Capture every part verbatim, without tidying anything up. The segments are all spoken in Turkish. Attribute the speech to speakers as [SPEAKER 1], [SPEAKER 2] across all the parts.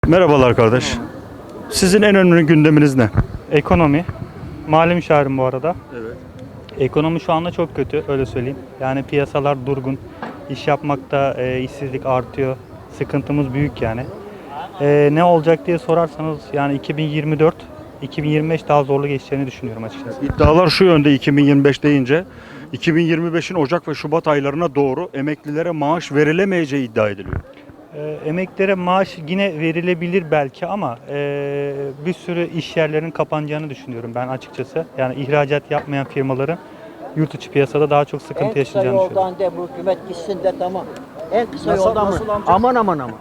[SPEAKER 1] Merhabalar kardeş. Sizin en önemli gündeminiz ne?
[SPEAKER 2] Ekonomi. Mali müşavirim bu arada.
[SPEAKER 1] Evet.
[SPEAKER 2] Ekonomi şu anda çok kötü, öyle söyleyeyim. Yani piyasalar durgun. İş yapmakta e, işsizlik artıyor. Sıkıntımız büyük yani. E, ne olacak diye sorarsanız yani iki bin yirmi dört, iki bin yirmi beş daha zorlu geçeceğini düşünüyorum açıkçası.
[SPEAKER 1] İddialar şu yönde iki bin yirmi beş deyince iki bin yirmi beşin Ocak ve Şubat aylarına doğru emeklilere maaş verilemeyeceği iddia ediliyor.
[SPEAKER 2] E, emeklilere maaş yine verilebilir belki ama e, bir sürü iş yerlerinin kapanacağını düşünüyorum ben açıkçası. Yani ihracat yapmayan firmaların yurt içi piyasada daha çok sıkıntı
[SPEAKER 3] En kısa
[SPEAKER 2] yaşayacağını düşünüyorum.
[SPEAKER 3] yoldan de bu hükümet gitsin de tamam. En kısa
[SPEAKER 1] Nasıl-
[SPEAKER 3] yoldan
[SPEAKER 1] nasıl
[SPEAKER 3] mı?
[SPEAKER 1] amca?
[SPEAKER 3] Aman aman aman.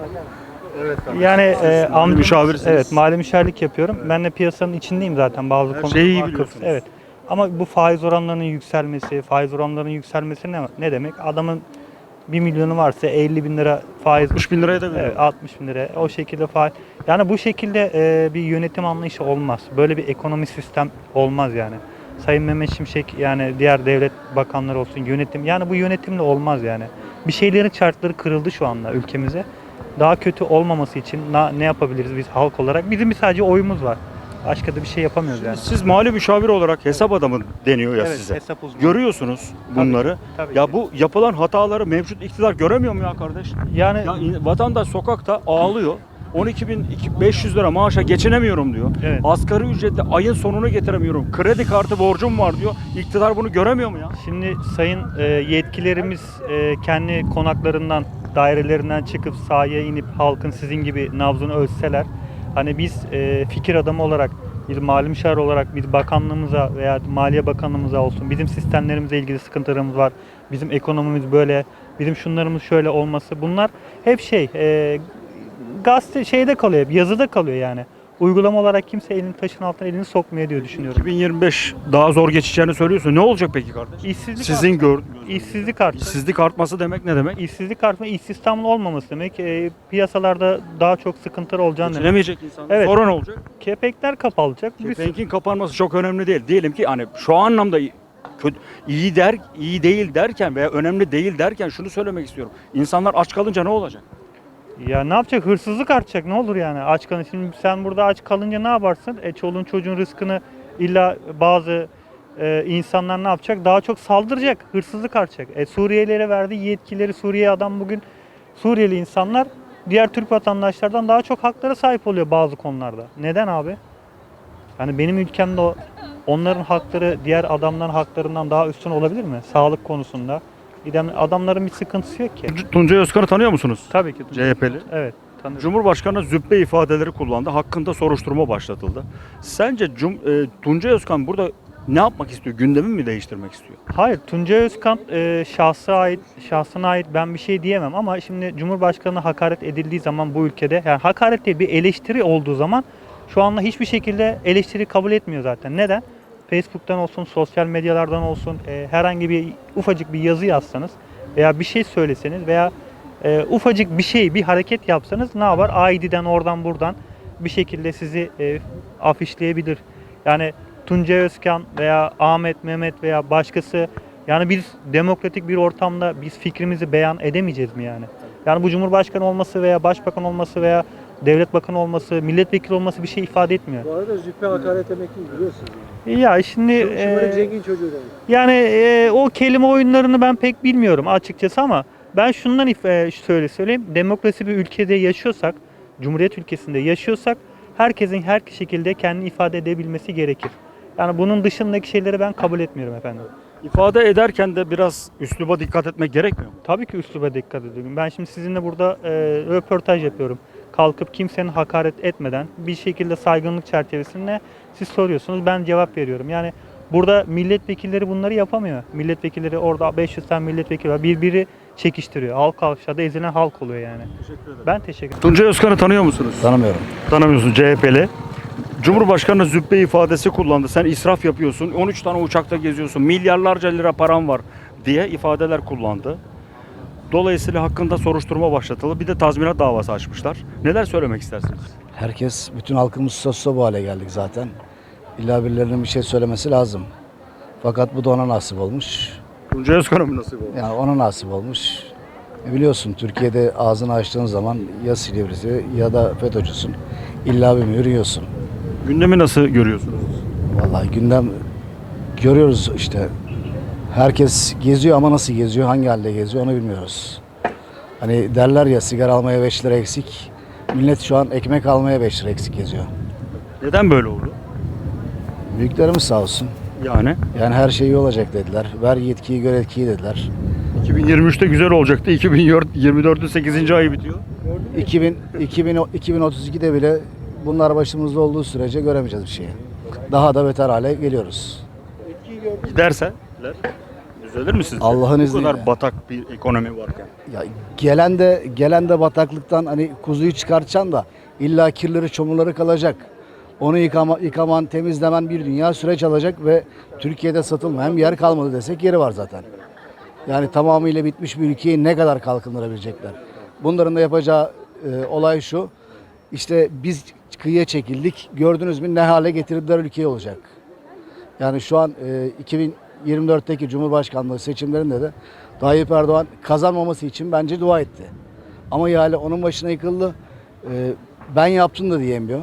[SPEAKER 2] Yani e,
[SPEAKER 1] mali
[SPEAKER 2] amcam-
[SPEAKER 1] müşavirsiniz.
[SPEAKER 2] Evet, mali müşavirlik yapıyorum. Ben de piyasanın içindeyim zaten bazı
[SPEAKER 1] Her
[SPEAKER 2] konularda.
[SPEAKER 1] şeyi iyi
[SPEAKER 2] vakıf.
[SPEAKER 1] biliyorsunuz.
[SPEAKER 2] Evet. Ama bu faiz oranlarının yükselmesi, faiz oranlarının yükselmesi ne, ne demek? Adamın bir milyonu varsa elli bin lira faiz.
[SPEAKER 1] altmış bin liraya da veriyor.
[SPEAKER 2] Evet, altmış bin lira. O şekilde faiz. Yani bu şekilde e, bir yönetim anlayışı olmaz. Böyle bir ekonomi sistem olmaz yani. Sayın Mehmet Şimşek yani diğer devlet bakanları olsun yönetim. Yani bu yönetimle olmaz yani. Bir şeylerin çarkları kırıldı şu anda ülkemize. Daha kötü olmaması için na- ne yapabiliriz biz halk olarak? Bizim bir sadece oyumuz var. Başka da bir şey yapamıyoruz yani.
[SPEAKER 1] Siz mali müşavir olarak hesap adamı deniyor ya
[SPEAKER 2] Evet,
[SPEAKER 1] size.
[SPEAKER 2] hesap uzmanı.
[SPEAKER 1] Görüyorsunuz bunları.
[SPEAKER 2] tabii
[SPEAKER 1] ya
[SPEAKER 2] ki.
[SPEAKER 1] bu yapılan hataları mevcut iktidar göremiyor mu ya kardeş?
[SPEAKER 2] Yani
[SPEAKER 1] Ya in- vatandaş sokakta ağlıyor. on iki bin beş yüz lira maaşa geçinemiyorum diyor.
[SPEAKER 2] Evet.
[SPEAKER 1] Asgari ücretle ayın sonunu getiremiyorum. Kredi kartı borcum var diyor. İktidar bunu göremiyor mu ya?
[SPEAKER 2] şimdi sayın e, yetkilerimiz e, kendi konaklarından, dairelerinden çıkıp sahaya inip halkın sizin gibi nabzını ölçseler, hani biz e, fikir adamı olarak, bir mali müşavir olarak bir bakanlığımıza veya Maliye Bakanlığımıza olsun, bizim sistemlerimizle ilgili sıkıntılarımız var, bizim ekonomimiz böyle, bizim şunlarımız şöyle olması, bunlar hep şey, e, gazete şeyde kalıyor, hep yazıda kalıyor yani. Uygulama olarak kimse elini taşın altına elini sokmuyor diye düşünüyorum.
[SPEAKER 1] iki bin yirmi beş daha zor geçeceğini söylüyorsun. Ne olacak peki kardeş?
[SPEAKER 2] İşsizlik
[SPEAKER 1] Sizin gör
[SPEAKER 2] İşsizlik artacak.
[SPEAKER 1] işsizlik artması demek ne demek?
[SPEAKER 2] İşsizlik artma, istihdamlı olmaması demek. E, piyasalarda daha çok sıkıntılar olacağını demek.
[SPEAKER 1] Geçinemeyecek insanlar.
[SPEAKER 2] Evet.
[SPEAKER 1] Sonra ne olacak?
[SPEAKER 2] Kepekler kapalacak. Bir sürü-
[SPEAKER 1] Kepenkin kapanması çok önemli değil. Diyelim ki hani şu anlamda iyi- kötü, iyi der, iyi değil derken veya önemli değil derken şunu söylemek istiyorum. İnsanlar aç kalınca ne olacak?
[SPEAKER 2] Ya ne yapacak? Hırsızlık artacak. Ne olur yani? Aç kalın. Şimdi sen burada aç kalınca ne yaparsın? E çoluğun çocuğun rızkını illa bazı e, insanlar ne yapacak? Daha çok saldıracak. Hırsızlık artacak. E Suriyelilere verdiği yetkileri Suriye adam bugün Suriyeli insanlar diğer Türk vatandaşlardan daha çok haklara sahip oluyor bazı konularda. Neden abi? Yani benim ülkemde o, onların hakları diğer adamların haklarından daha üstün olabilir mi? Sağlık konusunda. İdem- Adamların bir sıkıntısı yok ki.
[SPEAKER 1] Tuncay Özkan'ı tanıyor musunuz?
[SPEAKER 2] Tabii ki.
[SPEAKER 1] C H P'li.
[SPEAKER 2] Evet. Tanıyorum.
[SPEAKER 1] Cumhurbaşkanı züppe ifadeleri kullandı. Hakkında soruşturma başlatıldı. Sence Cum, e, Tuncay Özkan burada ne yapmak istiyor? Gündemi mi değiştirmek istiyor?
[SPEAKER 2] Hayır, Tuncay Özkan e, şahsa ait, şahsına ait ben bir şey diyemem ama şimdi Cumhurbaşkanı'na hakaret edildiği zaman bu ülkede, yani hakaret değil bir eleştiri olduğu zaman şu anda hiçbir şekilde eleştiri kabul etmiyor zaten. Neden? Facebook'tan olsun, sosyal medyalardan olsun e, herhangi bir ufacık bir yazı yazsanız veya bir şey söyleseniz veya e, ufacık bir şey, bir hareket yapsanız ne yapar? A I D'den oradan buradan bir şekilde sizi e, afişleyebilir. Yani Tuncay Özkan veya Ahmet, Mehmet veya başkası, yani biz demokratik bir ortamda biz fikrimizi beyan edemeyeceğiz mi yani? Yani bu Cumhurbaşkanı olması veya Başbakan olması veya Devlet Bakanı olması, milletvekili olması bir şey ifade etmiyor.
[SPEAKER 4] Bu arada züppe hakaret demek değil biliyorsunuz.
[SPEAKER 2] Ya şimdi
[SPEAKER 4] Çok şımarık
[SPEAKER 2] e,
[SPEAKER 4] zengin çocuğu demek.
[SPEAKER 2] yani e, o kelime oyunlarını ben pek bilmiyorum açıkçası ama ben şundan if- e, şöyle söyleyeyim. Demokrasi bir ülkede yaşıyorsak, Cumhuriyet ülkesinde yaşıyorsak herkesin her şekilde kendini ifade edebilmesi gerekir. Yani bunun dışındaki şeyleri ben kabul etmiyorum efendim.
[SPEAKER 1] İfade ederken de biraz üsluba dikkat etmek gerekmiyor mu?
[SPEAKER 2] Tabii ki üsluba dikkat ediyorum. Ben şimdi sizinle burada e, röportaj yapıyorum. Kalkıp kimsenin hakaret etmeden bir şekilde saygınlık çerçevesinde siz soruyorsunuz. Ben cevap veriyorum. Yani burada milletvekilleri bunları yapamıyor. Milletvekilleri orada beş yüz tane milletvekili var. Birbiri çekiştiriyor. Halk aşağıda ezilen halk oluyor yani.
[SPEAKER 1] Teşekkür ederim.
[SPEAKER 2] Ben teşekkür ederim.
[SPEAKER 1] Tuncay Özkan'ı tanıyor musunuz?
[SPEAKER 5] Tanımıyorum.
[SPEAKER 1] Tanımıyorsun, C H P'li. Cumhurbaşkanı züppe ifadesi kullandı. Sen israf yapıyorsun. on üç tane uçakta geziyorsun. Milyarlarca lira param var diye ifadeler kullandı. Dolayısıyla hakkında soruşturma başlatıldı. Bir de tazminat davası açmışlar. Neler söylemek istersiniz?
[SPEAKER 5] Herkes, bütün halkımız sosyal bu hale geldik zaten. İlla birilerinin bir şey söylemesi lazım. Fakat bu da ona nasip olmuş.
[SPEAKER 1] Tuncay Özkan'a mı nasip oldu?
[SPEAKER 5] Yani ona nasip olmuş. E biliyorsun Türkiye'de ağzını açtığın zaman ya Silivri'si ya da FETÖ'cüsün. İlla bir mühür yiyorsun.
[SPEAKER 1] Gündemi nasıl görüyorsunuz?
[SPEAKER 5] Vallahi gündem görüyoruz işte. Herkes geziyor ama nasıl geziyor, hangi halde geziyor onu bilmiyoruz. Hani derler ya sigara almaya beş lira eksik. Millet şu an ekmek almaya beş lira eksik geziyor.
[SPEAKER 1] Neden böyle oldu?
[SPEAKER 5] Büyüklerimiz sağ olsun.
[SPEAKER 1] Yani
[SPEAKER 5] Yani her şey iyi olacak dediler. Ver yetkiyi gör etkiyi dediler.
[SPEAKER 1] iki bin yirmi üçte güzel olacaktı. iki bin yirmi dörtün sekizinci ayı bitiyor.
[SPEAKER 5] iki bin, iki bin, iki bin otuz ikide bile bunlar başımızda olduğu sürece göremeyeceğiz bir şeyi. Daha da beter hale geliyoruz.
[SPEAKER 1] Giderse düzelir mi sizce?
[SPEAKER 5] Allah'ın
[SPEAKER 1] Bu
[SPEAKER 5] izniyle.
[SPEAKER 1] kadar batak bir ekonomi varken.
[SPEAKER 5] Ya gelen de gelen de bataklıktan hani kuzuyu çıkartacaksın da illa kirleri çamurları kalacak. Onu yıkama, yıkaman, temizlemen bir dünya süreç alacak ve Türkiye'de satılmayan bir yer kalmadı desek yeri var zaten. Yani tamamıyla bitmiş bir ülkeyi ne kadar kalkındırabilecekler? Bunların da yapacağı e, olay şu. İşte biz kıyıya çekildik. Gördünüz mü ne hale getirdiler ülkeyi olacak. Yani şu an e, iki bin yirmi dörtteki Cumhurbaşkanlığı seçimlerinde de Tayyip Erdoğan kazanmaması için bence dua etti. Ama ihale onun başına yıkıldı. E, ben yaptım da diyemiyor.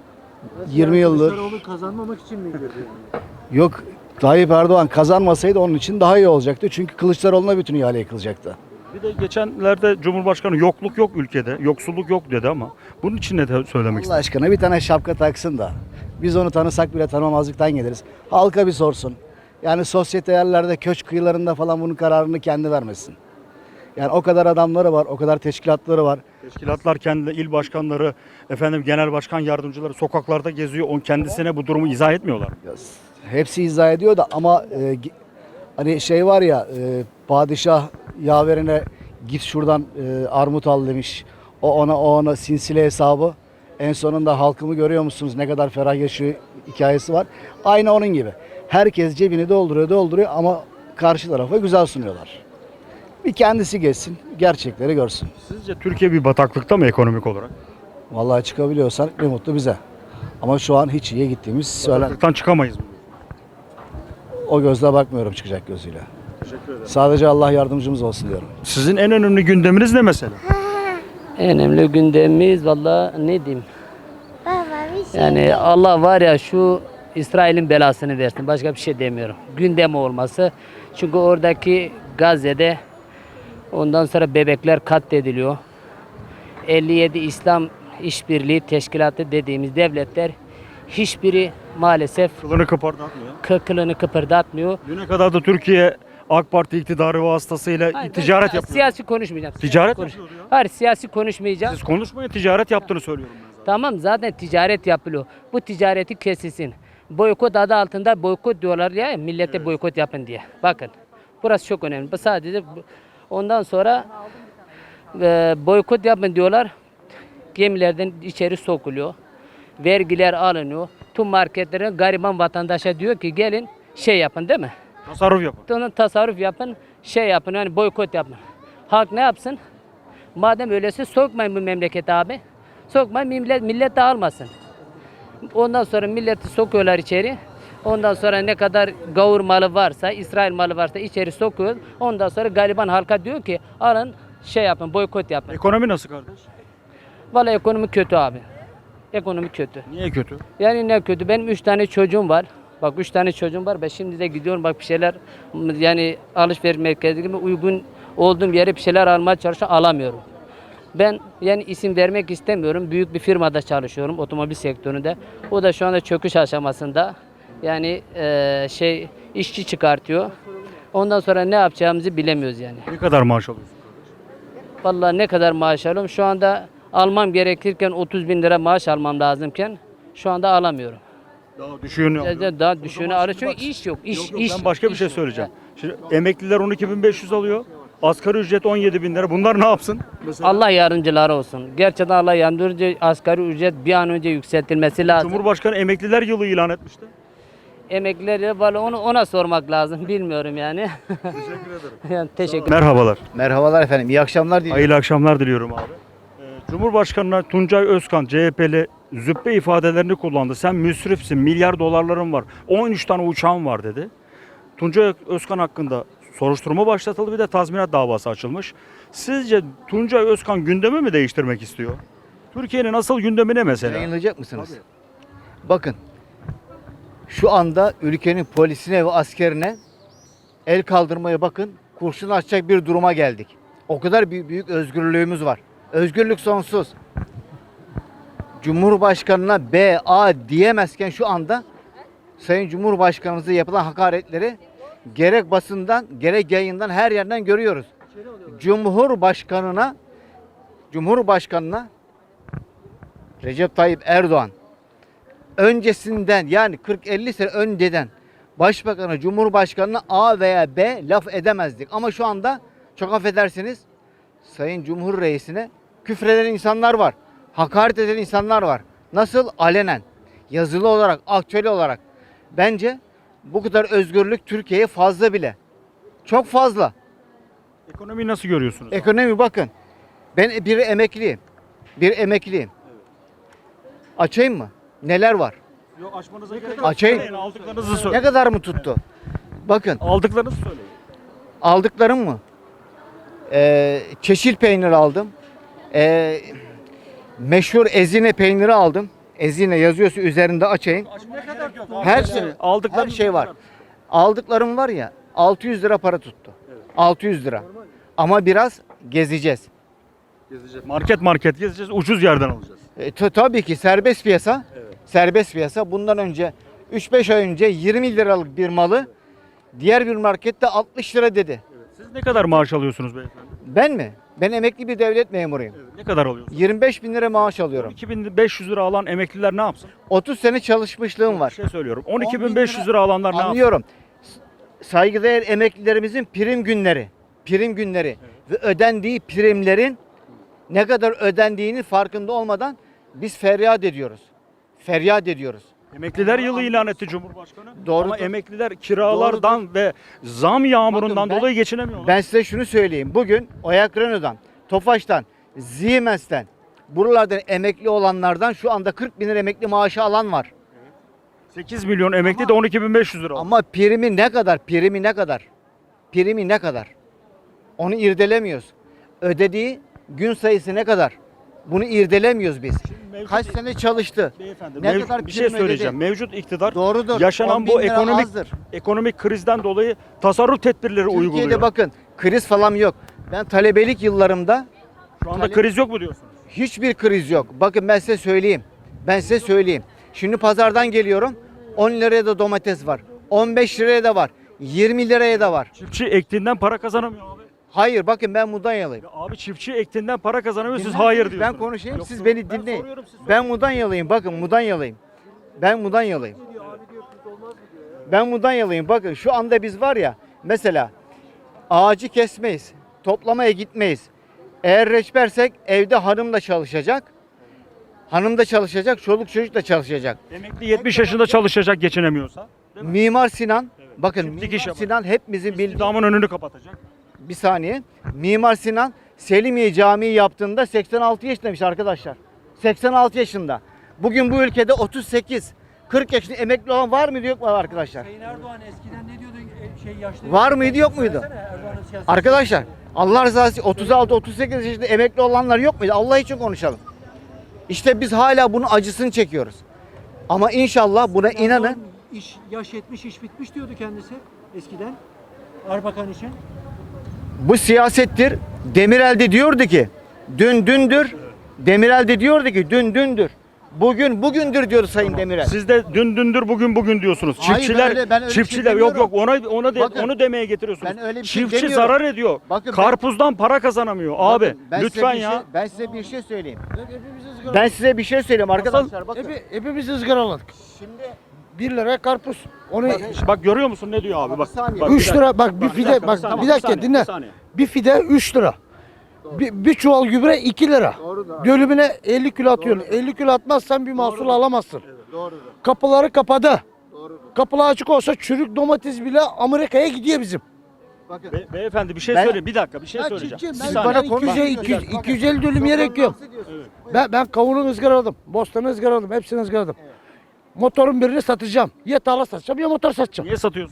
[SPEAKER 5] yirmi yıldır.
[SPEAKER 4] Kılıçdaroğlu kazanmamak için mi girdi?
[SPEAKER 5] Yok, Tayyip Erdoğan kazanmasaydı onun için daha iyi olacaktı. Çünkü Kılıçdaroğlu'na bütün ihale yıkılacaktı.
[SPEAKER 1] Bir de geçenlerde Cumhurbaşkanı yokluk yok ülkede, yoksulluk yok dedi ama bunun için ne de söylemek
[SPEAKER 5] Allah
[SPEAKER 1] istedim?
[SPEAKER 5] aşkına bir tane şapka taksın da biz onu tanısak bile tanımazlıktan geliriz. Halka bir sorsun. Yani sosyete yerlerde, köşk kıyılarında falan bunun kararını kendi vermesin. Yani o kadar adamları var, o kadar teşkilatları var.
[SPEAKER 1] Teşkilatlar kendi il başkanları, efendim genel başkan yardımcıları sokaklarda geziyor. On kendisine bu durumu izah etmiyorlar.
[SPEAKER 5] Ya, hepsi izah ediyor da ama e, gi- hani şey var ya e, padişah yaverine git şuradan e, armut al demiş. O ona o ona sinsile hesabı. En sonunda halkımı görüyor musunuz ne kadar ferah yaşıyor hikayesi var. Aynı onun gibi. Herkes cebini dolduruyor dolduruyor ama karşı tarafa güzel sunuyorlar. Bir kendisi geçsin, gerçekleri görsün.
[SPEAKER 1] Sizce Türkiye bir bataklıkta mı ekonomik olarak?
[SPEAKER 5] Vallahi çıkabiliyorsan ne mutlu bize. Ama şu an hiç iyiye gittiğimiz söylen.
[SPEAKER 1] Bataklıktan çıkamayız mı?
[SPEAKER 5] O gözle bakmıyorum çıkacak gözüyle.
[SPEAKER 1] Teşekkür ederim.
[SPEAKER 5] Sadece Allah yardımcımız olsun diyorum.
[SPEAKER 1] Sizin en önemli gündeminiz ne mesela?
[SPEAKER 6] En önemli gündemimiz valla ne diyeyim?
[SPEAKER 7] Baba bir şey
[SPEAKER 6] Yani Allah var ya şu İsrail'in belasını versin. Başka bir şey demiyorum. Gündem olması. Çünkü oradaki Gazze'de ondan sonra bebekler katlediliyor. elli yedi İslam İşbirliği Teşkilatı dediğimiz devletler hiçbiri maalesef
[SPEAKER 1] Kılını kıpırdatmıyor.
[SPEAKER 6] kı- kılını kıpırdatmıyor.
[SPEAKER 1] Düne kadar da Türkiye AK Parti iktidarı vasıtasıyla
[SPEAKER 6] Hayır,
[SPEAKER 1] ticaret
[SPEAKER 6] ben
[SPEAKER 1] yapıyor.
[SPEAKER 6] Siyasi konuşmayacağım.
[SPEAKER 1] Ticaret
[SPEAKER 6] Konuş-
[SPEAKER 1] yapıyor ya.
[SPEAKER 6] Hayır siyasi konuşmayacağım.
[SPEAKER 1] Siz konuşmayın, ticaret yaptığını söylüyorum ben zaten.
[SPEAKER 6] Tamam zaten ticaret yapılıyor. Bu ticareti kesilsin. Boykot adı altında boykot diyorlar ya millete boykot yapın diye. Bakın burası çok önemli. Bu sadece bu- ondan sonra e, boykot yapın diyorlar. Gemilerden içeri sokuluyor. Vergiler alınıyor. Tüm marketlerin gariban vatandaşa diyor ki gelin şey yapın değil mi?
[SPEAKER 1] Tasarruf yapın.
[SPEAKER 6] Onun tasarruf yapın, şey yapın yani boykot yapın. Halk ne yapsın? Madem öyleyse sokmayın bu memlekete abi. Sokmayın millet, millet de almasın. Ondan sonra milleti sokuyorlar içeri. Ondan sonra ne kadar gavur malı varsa, İsrail malı varsa içeri sokuyor. Ondan sonra gariban halka diyor ki alın şey yapın, boykot yapın.
[SPEAKER 1] Ekonomi nasıl kardeş?
[SPEAKER 6] Vallahi ekonomi kötü abi. Ekonomi kötü.
[SPEAKER 1] Niye kötü?
[SPEAKER 6] Yani ne kötü. Benim üç tane çocuğum var. Bak üç tane çocuğum var. Ben şimdi de gidiyorum bak bir şeyler yani alışveriş merkezi gibi uygun olduğum yere bir şeyler almaya çalışıyorum. Alamıyorum. Ben yani isim vermek istemiyorum. Büyük bir firmada çalışıyorum otomobil sektöründe. O da şu anda çöküş aşamasında. Yani eee, şey işçi çıkartıyor. Ondan sonra ne yapacağımızı bilemiyoruz yani.
[SPEAKER 1] Ne kadar maaş alıyorsun?
[SPEAKER 6] Vallahi ne kadar maaş alıyorum. Şu anda almam gerekirken otuz bin lira maaş almam lazımken şu anda alamıyorum.
[SPEAKER 1] Daha düşüğünü alıyor.
[SPEAKER 6] Daha düşüğünü
[SPEAKER 1] zaman
[SPEAKER 6] alıyor
[SPEAKER 1] şimdi
[SPEAKER 6] çünkü
[SPEAKER 1] bak-
[SPEAKER 6] iş yok. İş,
[SPEAKER 1] Yok, yok,
[SPEAKER 6] iş.
[SPEAKER 1] ben başka bir
[SPEAKER 6] iş
[SPEAKER 1] şey
[SPEAKER 6] yok.
[SPEAKER 1] söyleyeceğim. Şimdi emekliler on iki bin beş yüz alıyor. Asgari ücret on yedi bin lira. Bunlar ne yapsın? Mesela
[SPEAKER 6] Allah yardımcıları olsun. Gerçekten Allah yardımcı asgari ücret bir an önce yükseltilmesi lazım.
[SPEAKER 1] Cumhurbaşkanı emekliler yılı ilan etmişti.
[SPEAKER 6] Emeklileri vallahi onu ona sormak lazım. Bilmiyorum yani.
[SPEAKER 1] Teşekkür ederim.
[SPEAKER 6] yani teşekkür
[SPEAKER 1] Merhabalar.
[SPEAKER 8] Merhabalar efendim. İyi akşamlar diliyorum.
[SPEAKER 1] Hayırlı akşamlar diliyorum abi. Ee, Cumhurbaşkanı Tuncay Özkan C H P'li züppe ifadelerini kullandı. Sen müsrifsin, milyar dolarların var, on üç tane uçağın var dedi. Tuncay Özkan hakkında Soruşturma başlatıldı, bir de tazminat davası açılmış. Sizce Tuncay Özkan gündemi mi değiştirmek istiyor? Türkiye'nin asıl gündemi ne mesela?
[SPEAKER 8] Yayınlayacak mısınız? Bakın. Şu anda ülkenin polisine ve askerine el kaldırmaya bakın. Kurşun açacak bir duruma geldik. O kadar büyük, büyük özgürlüğümüz var. Özgürlük sonsuz. Cumhurbaşkanına B, A diyemezken şu anda Sayın Cumhurbaşkanımıza yapılan hakaretleri gerek basından gerek yayından her yerden görüyoruz. Cumhurbaşkanına Cumhurbaşkanına Recep Tayyip Erdoğan öncesinden yani kırk elli sene önceden Başbakanı, Cumhurbaşkanına A veya B laf edemezdik. Ama şu anda çok affedersiniz Sayın Cumhur Reisine küfreden insanlar var. Hakaret eden insanlar var. Nasıl? Alenen. Yazılı olarak, aktüel olarak. Bence bu kadar özgürlük Türkiye'ye fazla bile. Çok fazla.
[SPEAKER 1] Ekonomiyi nasıl görüyorsunuz?
[SPEAKER 8] Ekonomi bakın. Ben bir emekliyim. Bir emekliyim. Açayım mı? Neler var?
[SPEAKER 1] Yok, açmanıza gerek
[SPEAKER 8] Açayım.
[SPEAKER 1] Söyleyin, aldıklarınızı
[SPEAKER 8] Ne
[SPEAKER 1] söyleyin.
[SPEAKER 8] kadar mı tuttu? Bakın
[SPEAKER 1] Aldıklarınızı söyleyin.
[SPEAKER 8] aldıklarım mı? Ee, çeşil peynir aldım. Ee, meşhur ezine peyniri aldım. Ezine yazıyorsa üzerinde açayım. Her şey,
[SPEAKER 1] Aldıklarınız
[SPEAKER 8] her şey
[SPEAKER 1] ne
[SPEAKER 8] var.
[SPEAKER 1] kadar?
[SPEAKER 8] Aldıklarım var ya altı yüz lira para tuttu. altı yüz lira. Ama biraz gezeceğiz.
[SPEAKER 1] Market market gezeceğiz, ucuz yerden alacağız.
[SPEAKER 8] E, ta- tabii ki serbest piyasa. Serbest piyasa. Bundan önce üç beş ay önce yirmi liralık bir malı diğer bir markette altmış lira dedi.
[SPEAKER 1] Siz ne kadar maaş alıyorsunuz beyefendi?
[SPEAKER 8] Ben mi? Ben emekli bir devlet memuruyum.
[SPEAKER 1] Ne kadar alıyorsunuz?
[SPEAKER 8] yirmi beş bin lira maaş alıyorum.
[SPEAKER 1] iki bin beş yüz lira alan emekliler ne yapsın?
[SPEAKER 8] otuz sene çalışmışlığım
[SPEAKER 1] Bir
[SPEAKER 8] var.
[SPEAKER 1] şey söylüyorum. on iki bin beş yüz lira alanlar ne yapsın?
[SPEAKER 8] Anlıyorum. S- Saygıdeğer emeklilerimizin prim günleri, prim günleri ve ödendiği primlerin ne kadar ödendiğinin farkında olmadan biz feryat ediyoruz. Feryat ediyoruz.
[SPEAKER 1] Emekliler yılı ilan etti Cumhurbaşkanı.
[SPEAKER 8] Doğrudur.
[SPEAKER 1] Ama emekliler kiralardan ve zam yağmurundan
[SPEAKER 8] Bakın ben-
[SPEAKER 1] dolayı geçinemiyorlar.
[SPEAKER 8] Ben size şunu söyleyeyim. Bugün Oyak Renault'dan, Tofaş'tan, Siemens'ten, buralardan emekli olanlardan şu anda kırk bin lira emekli maaşı alan var.
[SPEAKER 1] sekiz milyon emekli de on iki bin beş yüz lira alıyor.
[SPEAKER 8] Ama primi ne kadar? Primi ne kadar? Primi ne kadar? Onu irdelemiyoruz. Ödediği gün sayısı ne kadar? Bunu irdelemiyoruz biz.
[SPEAKER 1] mevcut-
[SPEAKER 8] Kaç sene çalıştı?
[SPEAKER 1] Beyefendi,
[SPEAKER 8] Ne
[SPEAKER 1] mev-
[SPEAKER 8] kadar
[SPEAKER 1] bir şey
[SPEAKER 8] prim
[SPEAKER 1] söyleyeceğim.
[SPEAKER 8] ödedi?
[SPEAKER 1] Mevcut iktidar
[SPEAKER 8] Doğrudur.
[SPEAKER 1] yaşanan
[SPEAKER 8] on
[SPEAKER 1] bu
[SPEAKER 8] bin lira
[SPEAKER 1] ekonomik
[SPEAKER 8] azdır.
[SPEAKER 1] ekonomik krizden dolayı tasarruf tedbirleri
[SPEAKER 8] Türkiye'de
[SPEAKER 1] uyguluyor.
[SPEAKER 8] bakın kriz falan yok. Ben talebelik yıllarımda
[SPEAKER 1] Şu anda
[SPEAKER 8] talep-
[SPEAKER 1] kriz yok mu diyorsunuz?
[SPEAKER 8] hiçbir kriz yok. Bakın ben size söyleyeyim. Ben size söyleyeyim. Şimdi pazardan geliyorum. on liraya da domates var. on beş liraya da var. yirmi liraya da var.
[SPEAKER 1] Çiftçi ektiğinden para kazanamıyor abi.
[SPEAKER 8] Hayır bakın ben Mudanyalıyım.
[SPEAKER 1] Ya abi çiftçi ektiğinden para kazanamıyor, siz
[SPEAKER 8] Dinlerseniz
[SPEAKER 1] hayır
[SPEAKER 8] ben
[SPEAKER 1] diyorsunuz.
[SPEAKER 8] konuşayım,
[SPEAKER 1] Yok,
[SPEAKER 8] siz
[SPEAKER 1] yok.
[SPEAKER 8] beni
[SPEAKER 1] Ben
[SPEAKER 8] dinleyin.
[SPEAKER 1] soruyorum, siz sorun.
[SPEAKER 8] Ben Mudanyalıyım. Bakın Mudanyalıyım. Ben Mudanyalıyım. Ben Mudanyalıyım. Bakın şu anda biz var ya mesela ağacı kesmeyiz. Toplamaya gitmeyiz. Eğer reçbersek evde hanım da çalışacak. Hanım da çalışacak, çoluk çocuk da çalışacak.
[SPEAKER 1] Emekli yetmiş yaşında çalışacak geçinemiyorsa.
[SPEAKER 8] Mimar Sinan, bakın
[SPEAKER 1] Çiftlik
[SPEAKER 8] Mimar
[SPEAKER 1] iş yapar.
[SPEAKER 8] Sinan hepimizin bildiği
[SPEAKER 1] İstihdamın önünü kapatacak.
[SPEAKER 8] bir saniye. Mimar Sinan Selimiye Camii yaptığında seksen altı yaşındaymış arkadaşlar. seksen altı yaşında. Bugün bu ülkede otuz sekiz kırk yaşında emekli olan var mıydı yok mu arkadaşlar?
[SPEAKER 4] Sayın Erdoğan eskiden ne diyordu e, şey yaşlı?
[SPEAKER 8] Var mıydı, yok muydu?
[SPEAKER 4] Söylesene, Erdoğan'ın siyaseti.
[SPEAKER 8] Arkadaşlar Allah rızası için otuz altı otuz sekiz yaşında emekli olanlar yok muydu? Allah için konuşalım. İşte biz hala bunun acısını çekiyoruz. Ama inşallah buna
[SPEAKER 4] Erdoğan
[SPEAKER 8] inanın.
[SPEAKER 4] iş, yaş yetmiş iş bitmiş diyordu kendisi eskiden. Erbakan için.
[SPEAKER 8] Bu siyasettir. Demirel de diyordu ki dün dündür. Demirel de diyordu ki dün dündür. Bugün bugündür diyor Sayın Demirel.
[SPEAKER 1] Siz de dün dündür bugün bugün diyorsunuz.
[SPEAKER 8] Hayır,
[SPEAKER 1] Çiftçiler
[SPEAKER 8] ben öyle- ben öyle bir şey
[SPEAKER 1] çiftçiler yok
[SPEAKER 8] demiyorum.
[SPEAKER 1] yok ona ona de,
[SPEAKER 8] Bakın,
[SPEAKER 1] onu demeye getiriyorsunuz.
[SPEAKER 8] ben öyle bir şey
[SPEAKER 1] Çiftçi
[SPEAKER 8] demiyorum.
[SPEAKER 1] zarar ediyor.
[SPEAKER 8] Bakın ben-
[SPEAKER 1] Karpuzdan para kazanamıyor abi.
[SPEAKER 8] Bakın, ben size
[SPEAKER 1] Lütfen
[SPEAKER 8] bir
[SPEAKER 1] ya.
[SPEAKER 8] Şey, ben size bir şey söyleyeyim.
[SPEAKER 4] Hepimiz ızgara.
[SPEAKER 8] Ben size bir şey söyleyeyim arkadaşlar. Bakın.
[SPEAKER 4] Hepi, hepimiz ızgaraladık.
[SPEAKER 8] Şimdi
[SPEAKER 4] bir lira karpuz. Onu
[SPEAKER 1] Bak görüyor musun ne diyor abi? Bak.
[SPEAKER 8] Bir saniye.
[SPEAKER 1] bak,
[SPEAKER 4] üç
[SPEAKER 1] dakika.
[SPEAKER 4] lira bak bir fide
[SPEAKER 1] dakika,
[SPEAKER 4] bak
[SPEAKER 1] bir saniye,
[SPEAKER 4] bir
[SPEAKER 1] bir
[SPEAKER 4] dakika
[SPEAKER 1] saniye,
[SPEAKER 4] dinle.
[SPEAKER 1] bir saniye.
[SPEAKER 4] Bir fide üç lira. Bir, bir çuval gübre iki lira. Dönümüne elli kilo atıyorsun. elli kilo atmazsan bir mahsul alamazsın. Kapıları kapadı. Kapılar açık olsa çürük domates bile Amerika'ya gidiyor bizim.
[SPEAKER 8] bakın.
[SPEAKER 1] Be- beyefendi bir şey
[SPEAKER 8] Ben-
[SPEAKER 1] söyleyeyim. Bir dakika bir şey
[SPEAKER 4] Ben
[SPEAKER 1] söyleyeceğim.
[SPEAKER 4] çiftçiyim.
[SPEAKER 1] Bir
[SPEAKER 4] Ben,
[SPEAKER 1] saniye.
[SPEAKER 4] bana
[SPEAKER 8] Bak,
[SPEAKER 4] iki yüz,
[SPEAKER 8] bak,
[SPEAKER 4] iki yüz,
[SPEAKER 8] bak.
[SPEAKER 4] iki yüz elli dönüm yer ekiyorum. Ben, ben kavunu ızgaraladım. Bostanı ızgaraladım. Hepsini ızgaraladım. Motorun birini satacağım. Ya tarla satacağım ya motor satacağım.
[SPEAKER 1] Niye satıyorsun?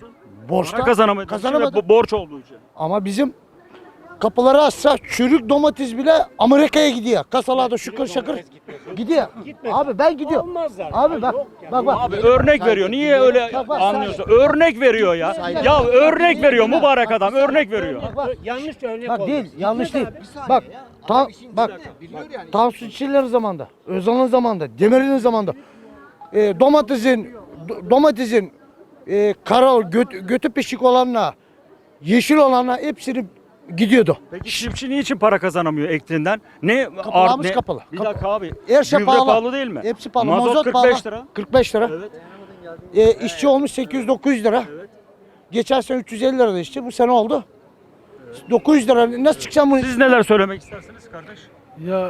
[SPEAKER 4] Borçtan
[SPEAKER 1] Para kazanamadı.
[SPEAKER 4] kazanamadı.
[SPEAKER 1] Bo- borç olduğu için.
[SPEAKER 4] Ama bizim kapıları açsa çürük domates bile Amerika'ya gidiyor. Kasalarda şükür şakır gidiyor. Abi ben gidiyorum. Abi bak bak bak.
[SPEAKER 1] Abi örnek veriyor. Niye öyle
[SPEAKER 4] Bak, bak,
[SPEAKER 1] anlıyorsun? Örnek veriyor ya. Ya örnek veriyor mübarek adam. Örnek veriyor.
[SPEAKER 3] Yanlış örnek
[SPEAKER 4] Bak değil, yanlış değil. Bak, ta, bak, Tansu Çiller'in zamanında, Özal'ın zamanında, Demirel'in zamanında e, domatesin, do- domatesin e, kara, göt, götü pişik olanla, yeşil olanla hepsini gidiyordu.
[SPEAKER 1] Peki çiftçi niçin para kazanamıyor ektiğinden? Ne?
[SPEAKER 4] Kapılarımız
[SPEAKER 1] ne-
[SPEAKER 4] kapalı.
[SPEAKER 1] Bir
[SPEAKER 4] Kap-
[SPEAKER 1] dakika abi.
[SPEAKER 4] Her şey
[SPEAKER 1] Gübre
[SPEAKER 4] pahalı.
[SPEAKER 1] pahalı değil mi?
[SPEAKER 4] Hepsi pahalı.
[SPEAKER 1] Mazot,
[SPEAKER 4] Mazot
[SPEAKER 1] kırk beş
[SPEAKER 4] pahalı.
[SPEAKER 1] lira.
[SPEAKER 4] kırk beş lira.
[SPEAKER 1] Evet.
[SPEAKER 4] E, işçi olmuş sekiz yüz dokuz yüz lira. Geçen sene üç yüz elli lirada işçi, bu sene oldu dokuz yüz lira. Nasıl çıkacağım bunu?
[SPEAKER 1] Siz neler söylemek istersiniz kardeş?
[SPEAKER 9] Ya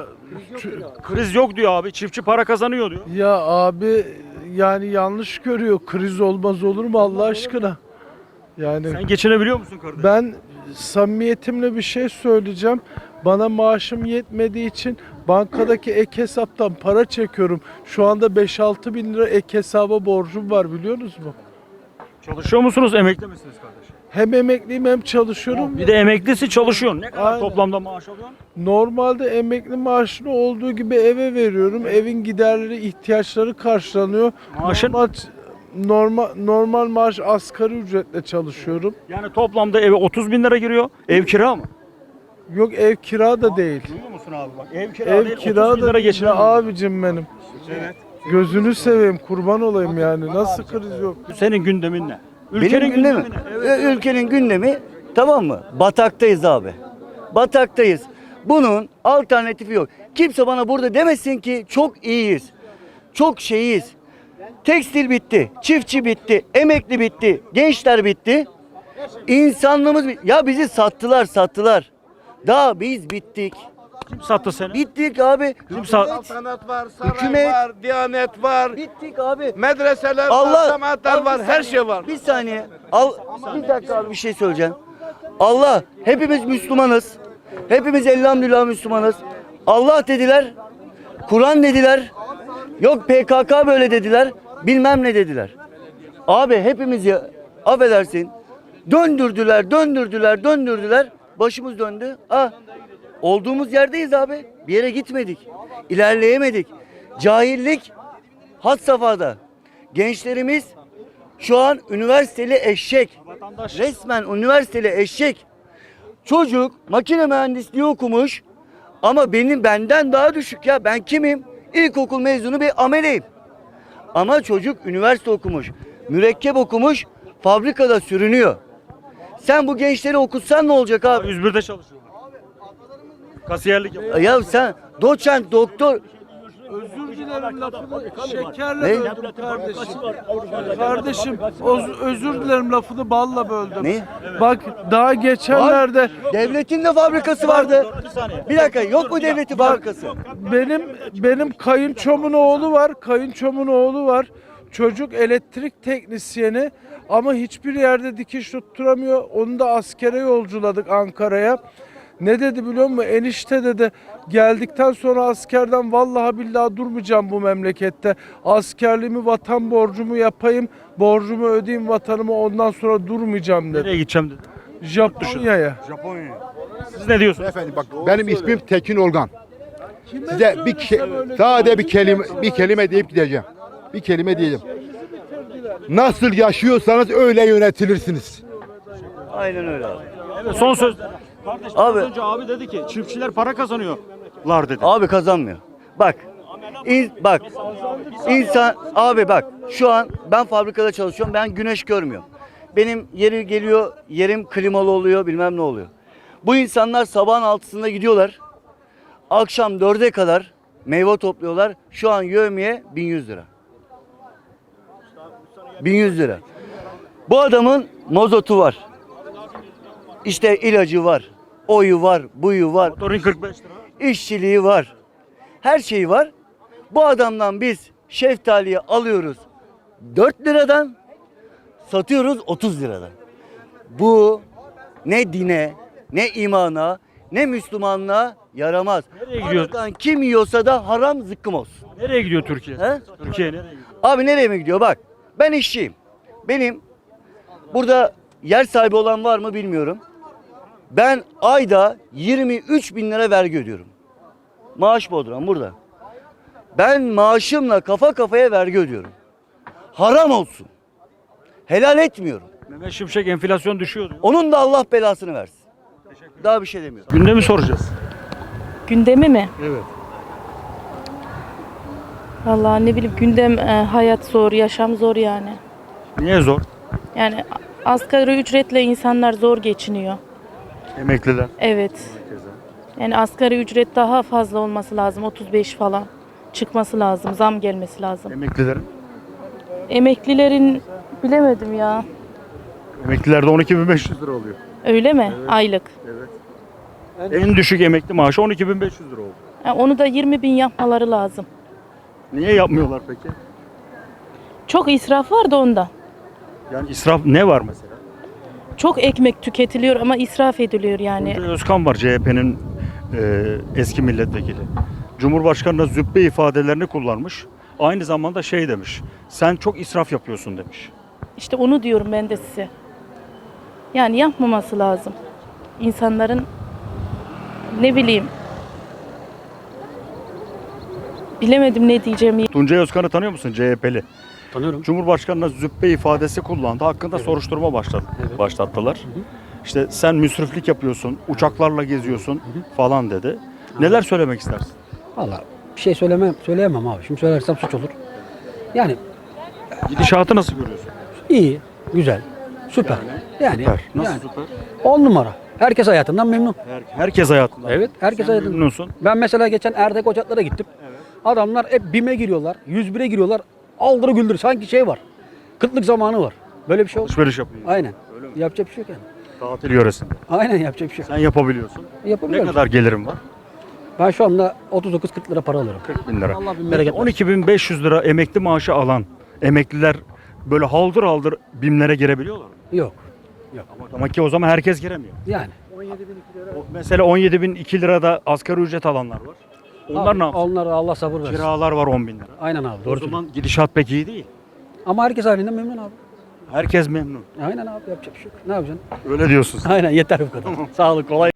[SPEAKER 1] Kriz yok diyor abi. Çiftçi para kazanıyor diyor.
[SPEAKER 9] ya abi yani yanlış görüyor. Kriz olmaz olur mu Allah aşkına? Yani
[SPEAKER 1] Sen geçinebiliyor musun kardeş?
[SPEAKER 9] ben samimiyetimle bir şey söyleyeceğim. Bana maaşım yetmediği için bankadaki ek hesaptan para çekiyorum. Şu anda beş altı bin lira ek hesaba borcum var biliyorsunuz mu?
[SPEAKER 1] Çalışıyor musunuz? Emekli misiniz kardeş?
[SPEAKER 9] Hem emekliyim hem çalışıyorum.
[SPEAKER 1] Bir de emeklisi çalışıyorsun. Ne kadar
[SPEAKER 9] Aynen.
[SPEAKER 1] toplamda maaş alıyorsun?
[SPEAKER 9] Normalde emekli maaşını olduğu gibi eve veriyorum. Evin giderleri, ihtiyaçları karşılanıyor.
[SPEAKER 1] Maaşın?
[SPEAKER 9] Normal, normal, normal maaş asgari ücretle çalışıyorum.
[SPEAKER 1] Yani toplamda eve otuz bin lira giriyor. Ev kira mı?
[SPEAKER 9] Yok ev kira da değil.
[SPEAKER 1] Duyuyor musun abi bak? Ev kira
[SPEAKER 9] Ev
[SPEAKER 1] değil,
[SPEAKER 9] kira
[SPEAKER 1] otuz bin
[SPEAKER 9] da
[SPEAKER 1] lira
[SPEAKER 9] değil
[SPEAKER 1] geçiremiyor.
[SPEAKER 9] abicim benim.
[SPEAKER 1] Evet.
[SPEAKER 9] Gözünü seveyim kurban olayım yani. Nasıl kriz yok?
[SPEAKER 1] Senin gündemin ne?
[SPEAKER 10] Benim gündemim,
[SPEAKER 1] gündemi ne? Evet.
[SPEAKER 10] Ö- ülkenin gündemi tamam mı? Bataktayız abi. Bataktayız. Bunun alternatifi yok. Kimse bana burada demesin ki çok iyiyiz. Çok şeyiz. Tekstil bitti, çiftçi bitti, emekli bitti, gençler bitti. İnsanlığımız bitti. Ya bizi sattılar, sattılar. Daha biz bittik.
[SPEAKER 1] Kim sattı seni?
[SPEAKER 10] Bittik abi.
[SPEAKER 1] Kim sattı?
[SPEAKER 11] Saltanat var, saray
[SPEAKER 10] Hükümet-
[SPEAKER 11] var, diyanet var,
[SPEAKER 10] Bittik abi.
[SPEAKER 11] medreseler
[SPEAKER 10] Allah-
[SPEAKER 11] var, cemaatler
[SPEAKER 10] Al
[SPEAKER 11] var,
[SPEAKER 10] bir
[SPEAKER 11] her
[SPEAKER 10] saniye,
[SPEAKER 11] şey var.
[SPEAKER 10] Bir saniye. Al bir dakika abi bir şey söyleyeceğim. Allah hepimiz Müslümanız. Hepimiz elhamdülillah Müslümanız. Allah dediler. Kur'an dediler. Yok P K K böyle dediler. Bilmem ne dediler. Abi hepimizi affedersin. Döndürdüler, döndürdüler, döndürdüler. Başımız döndü. Ah, olduğumuz yerdeyiz abi. Bir yere gitmedik. İlerleyemedik. Cahillik had safhada. Gençlerimiz şu an üniversiteli eşek.
[SPEAKER 1] Vatandaş.
[SPEAKER 10] Resmen üniversiteli eşek. Çocuk makine mühendisliği okumuş ama benim benden daha düşük ya. Ben kimim? İlkokul mezunu bir ameleyim. Ama çocuk üniversite okumuş. Mürekkep okumuş. Fabrikada sürünüyor. Sen bu gençleri okutsan ne olacak abi?
[SPEAKER 1] yüz birde çalışıyorlar. Kasiyerlik yapıyor.
[SPEAKER 10] Ya sen doçent, doktor.
[SPEAKER 9] Özür dilerim lafını şekerle
[SPEAKER 10] Ne?
[SPEAKER 9] böldüm kardeşim. Kardeşim öz- özür dilerim lafını balla böldüm.
[SPEAKER 10] Ne?
[SPEAKER 9] Bak daha geçenlerde
[SPEAKER 10] Devletin de fabrikası vardı. Bir dakika yok mu devletin fabrikası?
[SPEAKER 9] benim benim kayınçomun oğlu var. Kayınçomun oğlu var. Çocuk elektrik teknisyeni ama hiçbir yerde dikiş tutturamıyor. Onu da askere yolculadık Ankara'ya. Ne dedi biliyor musun? Enişte dedi geldikten sonra askerden vallahi billahi durmayacağım bu memlekette. Askerliğimi vatan borcumu yapayım. Borcumu ödeyeyim vatanıma ondan sonra durmayacağım dedi.
[SPEAKER 1] Nereye gideceğim dedi.
[SPEAKER 9] Japonya'ya.
[SPEAKER 1] Japonya'ya. Siz ne diyorsunuz?
[SPEAKER 12] Efendim bak benim ismim Tekin Olgan.
[SPEAKER 9] Kime
[SPEAKER 12] Size bir
[SPEAKER 9] söylesem
[SPEAKER 12] ke-
[SPEAKER 9] öyle
[SPEAKER 12] sadece bir kelime bir kelime deyip gideceğim. Bir kelime diyeceğim. Nasıl yaşıyorsanız öyle yönetilirsiniz.
[SPEAKER 10] Aynen öyle abi.
[SPEAKER 1] Evet, son söz. Kardeş
[SPEAKER 10] Abi-
[SPEAKER 1] az önce abi dedi ki çiftçiler para kazanıyorlar dedi.
[SPEAKER 10] Abi kazanmıyor. Bak. in- bak. İnsan abi bak şu an ben fabrikada çalışıyorum. Ben güneş görmüyorum. Benim yeri geliyor, yerim klimalı oluyor, bilmem ne oluyor. Bu insanlar sabahın altısında gidiyorlar. Akşam dörde kadar meyve topluyorlar. Şu an yevmiye bin yüz lira. bin yüz lira. Bu adamın mozotu var. İşte ilacı var. Oyu var, buyu var.
[SPEAKER 1] Motorun kırk beş lira.
[SPEAKER 10] İşçiliği var. Her şeyi var. Bu adamdan biz şeftaliyi alıyoruz dört liradan, satıyoruz otuz liradan. Bu ne dine, ne imana, ne Müslümanlığa yaramaz.
[SPEAKER 1] Nereye gidiyor?
[SPEAKER 10] Aradan kim yiyorsa da haram zıkkım olsun.
[SPEAKER 1] Nereye gidiyor Türkiye?
[SPEAKER 10] He?
[SPEAKER 1] Türkiye nereye gidiyor?
[SPEAKER 10] Abi nereye mi gidiyor? Bak ben işçiyim. Benim burada yer sahibi olan var mı bilmiyorum. Ben ayda yirmi üç bin lira vergi ödüyorum. Maaş bodrum burada. Ben maaşımla kafa kafaya vergi ödüyorum. Haram olsun. Helal etmiyorum.
[SPEAKER 1] Mehmet Şimşek enflasyon düşüyor diyor.
[SPEAKER 10] Onun da Allah belasını versin. Daha bir şey demiyorum.
[SPEAKER 1] Gündemi soracağız.
[SPEAKER 13] Gündemi mi?
[SPEAKER 1] Evet.
[SPEAKER 13] Vallahi ne bileyim gündem e, hayat zor, yaşam zor yani.
[SPEAKER 1] Niye zor?
[SPEAKER 13] Yani asgari ücretle insanlar zor geçiniyor.
[SPEAKER 1] Emekliler.
[SPEAKER 13] Evet. Yani asgari ücret daha fazla olması lazım. otuz beş falan çıkması lazım. Zam gelmesi lazım.
[SPEAKER 1] Emeklilerin.
[SPEAKER 13] Emeklilerin bilemedim ya.
[SPEAKER 1] Emeklilerde on iki bin beş yüz lira oluyor.
[SPEAKER 13] Öyle mi? Aylık.
[SPEAKER 1] En düşük emekli maaşı on iki bin beş yüz lira oldu.
[SPEAKER 13] Yani onu da yirmi bin yapmaları lazım.
[SPEAKER 1] Niye yapmıyorlar peki?
[SPEAKER 13] Çok israf var da ondan.
[SPEAKER 1] Yani israf ne var mesela?
[SPEAKER 13] Çok ekmek tüketiliyor ama israf ediliyor yani.
[SPEAKER 1] Tuncay Özkan var, C H P'nin e, eski milletvekili. Cumhurbaşkanı'na züppe ifadelerini kullanmış. Aynı zamanda şey demiş. Sen çok israf yapıyorsun demiş.
[SPEAKER 13] İşte onu diyorum ben de size. Yani yapmaması lazım. İnsanların ne bileyim bilemedim ne diyeceğimi.
[SPEAKER 1] Tuncay Özkan'ı tanıyor musun, C H P'li?
[SPEAKER 14] Tanıyorum.
[SPEAKER 1] Cumhurbaşkanı'na züppe ifadesi kullandı. Hakkında soruşturma başladı, başlattılar. İşte sen müsriflik yapıyorsun, uçaklarla geziyorsun falan dedi. Neler söylemek istersin?
[SPEAKER 14] Valla bir şey söylemem, söyleyemem abi. Şimdi söylersem suç olur. Yani
[SPEAKER 1] Gidişatı nasıl görüyorsun?
[SPEAKER 14] iyi, güzel, süper. Yani,
[SPEAKER 1] Süper. Nasıl
[SPEAKER 14] yani
[SPEAKER 1] süper?
[SPEAKER 14] on numara. Herkes hayatından memnun.
[SPEAKER 1] Her- herkes hayatında.
[SPEAKER 14] Evet, herkes
[SPEAKER 1] Sen
[SPEAKER 14] hayatından.
[SPEAKER 1] memnunsun.
[SPEAKER 14] Ben mesela geçen Erdek Ocaklar'a gittim. Adamlar hep BİM'e giriyorlar, yüz bire giriyorlar. Aldırı güldür sanki şey var. Kıtlık zamanı var. Böyle bir şey olur.
[SPEAKER 1] Alışveriş yapıyor.
[SPEAKER 14] Aynen. Yapacak bir şey yok yani.
[SPEAKER 1] Tatil yöresinde.
[SPEAKER 14] Aynen yapacak bir şey yok.
[SPEAKER 1] Sen yapabiliyorsun. Ne
[SPEAKER 14] Yapabiliyorum.
[SPEAKER 1] kadar gelirim var?
[SPEAKER 14] Ben şu anda otuz dokuz kırk lira para alıyorum.
[SPEAKER 1] kırk bin lira.
[SPEAKER 14] Allah bin bereket versin.
[SPEAKER 1] on iki bin beş yüz lira emekli maaşı alan emekliler böyle haldır haldır BİM'lere girebiliyorlar mı?
[SPEAKER 14] Yok.
[SPEAKER 1] Ama demek ki o zaman herkes giremiyor.
[SPEAKER 14] Yani.
[SPEAKER 1] O- Mesela on yedi bin iki lirada asgari ücret alanlar var. Onlar
[SPEAKER 14] Abi,
[SPEAKER 1] ne yapsın?
[SPEAKER 14] Onlar Allah sabır versin.
[SPEAKER 1] Kiralar var on bin lira.
[SPEAKER 14] Aynen abi.
[SPEAKER 1] O
[SPEAKER 14] Doğru
[SPEAKER 1] zaman
[SPEAKER 14] söylüyorsun.
[SPEAKER 1] gidişat pek iyi değil.
[SPEAKER 14] Ama herkes halinden memnun abi.
[SPEAKER 1] Herkes memnun.
[SPEAKER 14] Aynen abi yapacak bir şey yok. Ne yapacaksın?
[SPEAKER 1] Öyle diyorsun sen.
[SPEAKER 14] Aynen yeter bu kadar. Sağlık kolay.